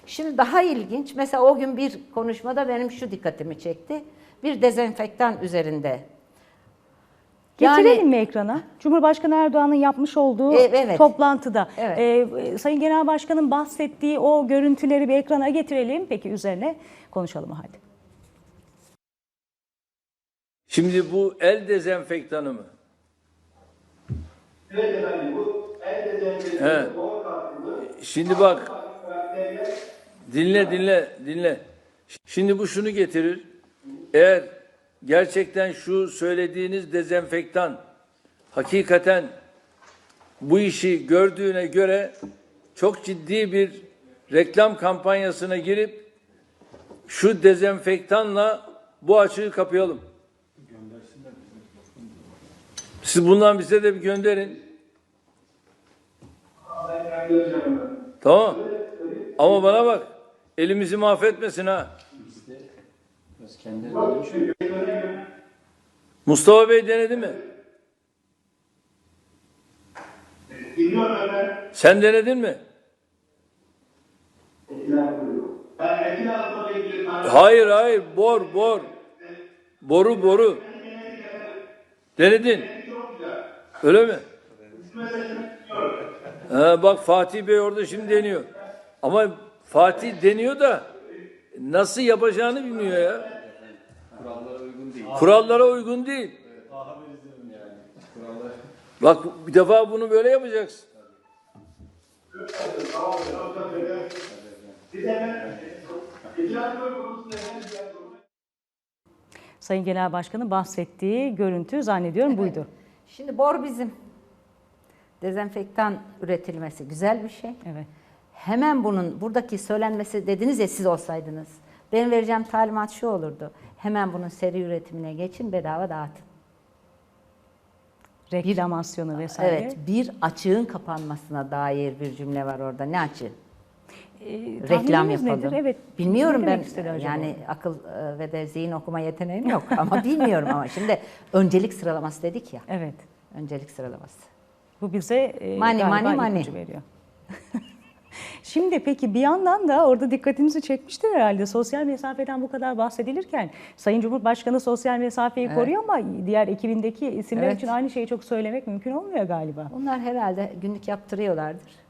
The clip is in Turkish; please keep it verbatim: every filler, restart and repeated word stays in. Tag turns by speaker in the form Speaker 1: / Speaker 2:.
Speaker 1: Şimdi daha ilginç, mesela o gün bir konuşmada benim şu dikkatimi çekti. Bir dezenfektan üzerinde.
Speaker 2: Getirelim
Speaker 1: Yani,
Speaker 2: mi ekrana? Cumhurbaşkanı Erdoğan'ın yapmış olduğu
Speaker 1: E, evet.
Speaker 2: toplantıda.
Speaker 1: Evet.
Speaker 2: Ee, Sayın Genel Başkan'ın bahsettiği o görüntüleri bir ekrana getirelim. Peki üzerine konuşalım hadi.
Speaker 3: Şimdi bu el dezenfektanı mı?
Speaker 4: Evet efendim, bu el dezenfektanı,
Speaker 3: He.
Speaker 4: doğal katkılı.
Speaker 3: Şimdi bak, dinle dinle dinle. Şimdi bu şunu getirir. Eğer gerçekten şu söylediğiniz dezenfektan hakikaten bu işi gördüğüne göre çok ciddi bir reklam kampanyasına girip şu dezenfektanla bu açığı kapayalım. Siz bundan bize de bir gönderin. Tamam. Ama bana bak, elimizi mahvetmesin ha. Mustafa Bey denedi mi?
Speaker 4: Dinliyorum efendim.
Speaker 3: Sen denedin mi?
Speaker 4: Ben etkili altına ilgili tarih.
Speaker 3: Hayır hayır, bor bor. Boru boru. Denedin. Öyle mi? Ha, bak Fatih Bey orada şimdi deniyor. Ama Fatih deniyor da nasıl yapacağını bilmiyor ya.
Speaker 5: Kurallara uygun değil.
Speaker 3: Kurallara uygun değil. Bak bir defa bunu böyle yapacaksın.
Speaker 2: Sayın Genel Başkan'ın bahsettiği görüntü zannediyorum buydu.
Speaker 1: şimdi bor bizim. Dezenfektan üretilmesi güzel bir şey.
Speaker 2: Evet.
Speaker 1: Hemen bunun buradaki söylenmesi, dediniz ya siz olsaydınız. Benim vereceğim talimat şu olurdu. Hemen bunun seri üretimine geçin, bedava dağıtın.
Speaker 2: Reklamasyonu vesaire.
Speaker 1: Evet, bir açığın kapanmasına dair bir cümle var orada. Ne açığı?
Speaker 2: Ee,
Speaker 1: Reklam
Speaker 2: tahmininiz
Speaker 1: yapalım.
Speaker 2: nedir? Evet.
Speaker 1: Bilmiyorum
Speaker 2: Ne
Speaker 1: ben.
Speaker 2: demek istedi acaba?
Speaker 1: Yani akıl e, ve de zihin okuma yeteneğim yok ama bilmiyorum ama şimdi öncelik sıralaması dedik ya.
Speaker 2: Evet.
Speaker 1: Öncelik sıralaması.
Speaker 2: Bu bize e,
Speaker 1: Money,
Speaker 2: galiba
Speaker 1: money, money.
Speaker 2: ipucu veriyor. Şimdi peki bir yandan da orada dikkatinizi çekmiştir herhalde. Sosyal mesafeden bu kadar bahsedilirken Sayın Cumhurbaşkanı sosyal mesafeyi
Speaker 1: Evet.
Speaker 2: koruyor ama diğer ekibindeki isimler
Speaker 1: Evet.
Speaker 2: için aynı şeyi çok söylemek mümkün olmuyor galiba.
Speaker 1: Onlar herhalde günlük yaptırıyorlardır.